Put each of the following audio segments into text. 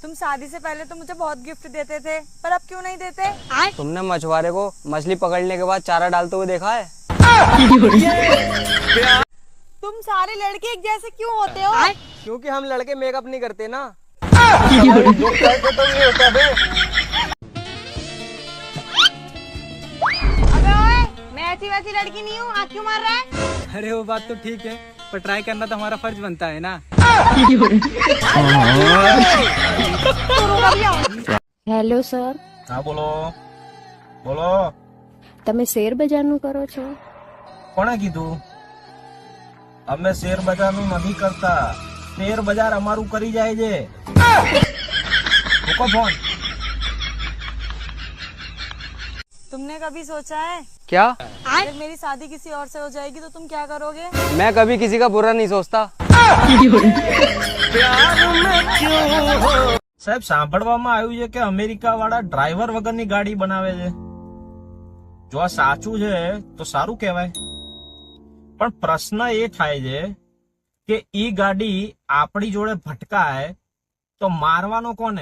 तुम शादी से पहले तो मुझे बहुत गिफ्ट देते थे, पर अब क्यों नहीं देते? तुमने मछुआरे को मछली पकड़ने के बाद चारा डालते हुए देखा है? तुम सारे लड़के एक जैसे क्यों होते हो? क्योंकि हम लड़के मेकअप नहीं करते ना। अबे ओए, मैं ऐसी वैसी लड़की नहीं हूँ, आँख क्यों मार रहा है? अरे वो बात तो ठीक है, पर ट्राई करना तो हमारा फर्ज बनता है ना। હેલો સર, હા બોલો બોલો. તમે શેર બજારનું કરો છો? કોણે કીધું? અમે શેર બજારનું નથી કરતા, શેર બજાર અમારું કરી જાય છે. મૂકો ફોન. तुमने कभी सोचा है क्या? अगर मेरी शादी किसी और से हो जाएगी तो तुम क्या करोगे? मैं कभी किसी का बुरा नहीं सोचता। સાહેબ સાંભળવામાં આવ્યું છે કે અમેરિકા વાળા ડ્રાઈવર વગરની ગાડી બનાવે છે. જો આ સાચું છે તો સારું કહેવાય, પણ પ્રશ્ન એ થાય છે કે ઈ ગાડી આપણી જોડે ભટકાય તો મારવાનો કોને?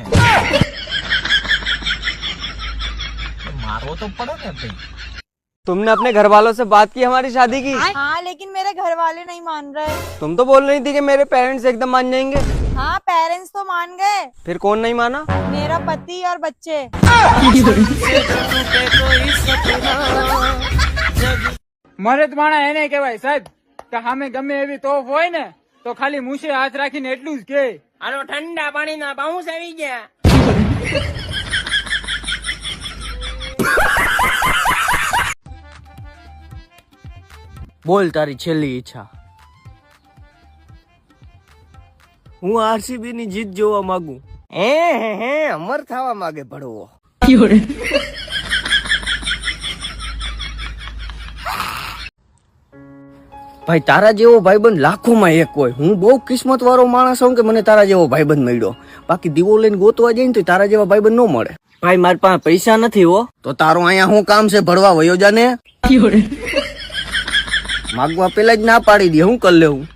मारो तो पड़े ना भाई. तुमने अपने घर वालों से बात की हमारी शादी की? हाँ, लेकिन मेरे घर वाले नहीं मान रहे। तुम तो बोल रही थी कि मेरे पेरेंट्स एकदम मान जाएंगे। हाँ, पेरेंट्स तो मान गए। फिर कौन नहीं माना? मेरा पति और बच्चे। મરદ માણા એને કહેવાય સાહેબ કે સામે ગમે એવી તોફ હોય ને તો ખાલી મૂછે હાથ રાખીને એટલું જ કે આનો ઠંડા પાણીના બાઉન્સ આવી ગયા. બોલ તારી છેલ્લી ઈચ્છા. હું આરસીબી ની જીત જોવા માંગુ. હે અમર થવા માંગે ભડવો. ભાઈ તારા જેવો ભાઈબંધ લાખોમાં એક હોય. હું બહુ કિસ્મત વાળો માણસ છું કે મને તારા જેવો ભાઈબંધ મળ્યો. બાકી દીવો લઈને ગોતવા જાય ને તો તારા જેવા ભાઈબંધ ન મળે. ભાઈ મારી પાસે પૈસા નથી હો. તો તારું અહીંયા શું કામ છે? ભરવા વયો જાને. માગવા પેલા જ ના પાડી દે, હું કરી લેવું?